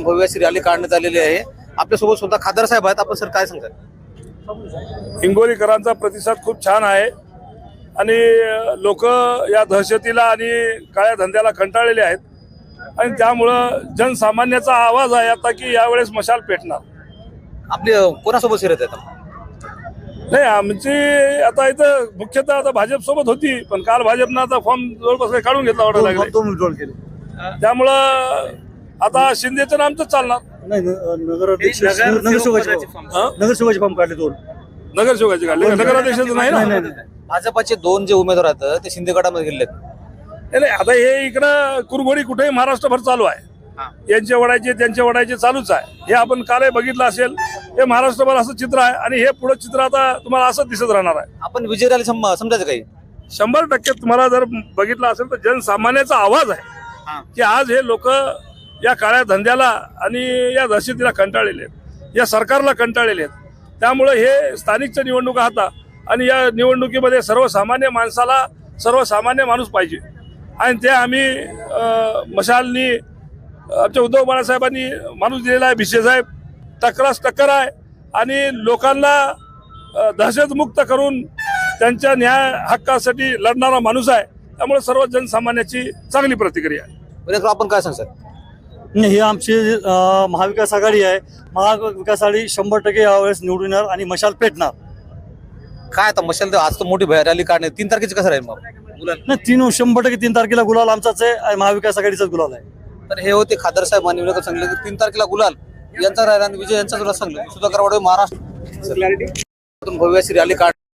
भव्य अशी रॅली काढण्यात आलेली आहे। आपल्यासोबत सुद्धा खासदार साहेब आहेत। आपण सर काय सांगताल? हिंगोलीकरांचा प्रतिसाद खूप छान आहे आणि लोक या दहशतीला आणि काळ्या धंद्याला कंटाळलेले आहेत आणि त्यामुळं जनसामान्याचा आवाज आहे आता की यावेळेस मशाल पेटणार। आपली कोणासोबत शिरत आहेत? नाही, आमची आता इथं मुख्यतः आता भाजप सोबत होती, पण काल भाजपनं आता फॉर्म जवळपास काढून घेतला वाटत लागले, त्यामुळं आता शिंदेचं नामच चालणार। नगरसेवकाचे फॉर्म काढले दोन, नगरसेवकाचे काढले, नगराध्यक्षाचं नाही ना। भाजपाचे दोन जे उमेदवार आहेत ते शिंदे गटामध्ये गेलेत। नाही, आता हे इकडं कुरघोडी कुठेही महाराष्ट्रभर चालू आहे, यांचे वडायचे त्यांचे वडायचे चालूच आहे। हे आपण कालही बघितलं असेल, हे महाराष्ट्रभर असं चित्र आहे आणि हे पुढे चित्र आता तुम्हाला असंच दिसत राहणार आहे। आपण विजय रॅली समजायचं काही 100% तुम्हाला जर बघितलं असेल तर जनसामान्याचा आवाज आहे की आज हे लोक या काळ्या धंद्याला आणि या दहशतीला कंटाळलेले आहेत, या सरकारला कंटाळलेले आहेत। त्यामुळे हे स्थानिकच्या निवडणुका होता आणि या निवडणुकीमध्ये सर्वसामान्य माणसाला सर्वसामान्य माणूस पाहिजे आणि ते आम्ही मशालनी आमच्या उद्धव बाळासाहेबांनी माणूस दिलेला आहे। भिसे साहेब टक्करास टक्कर आहे आणि लोकांना दहशतमुक्त करून त्यांच्या न्याय हक्कासाठी लढणारा माणूस आहे। त्यामुळे सर्व जनसामान्याची चांगली प्रतिक्रिया आहे। आपण काय सांगतात? ही आमची महाविकास आघाडी आहे। महाविकास आघाडी 100% यावेळेस निवडून येणार आणि मशाल पेटणार। काय आता मशाल आज तर मोठी रॅली काढणे 3 तारखेची कसं राहील मग? नाही, 3 तारखेला गुलाल आमचाच आहे आणि महाविकास आघाडीचाच गुलाल आहे। तर हे होते खासदार साहेब आणि सांगले की 3 तारखेला गुलाल यांचा राहिला आणि विजय यांचा सांगले। सुधाकर वाडे महाराष्ट्र भव्य अशी रॅली काढ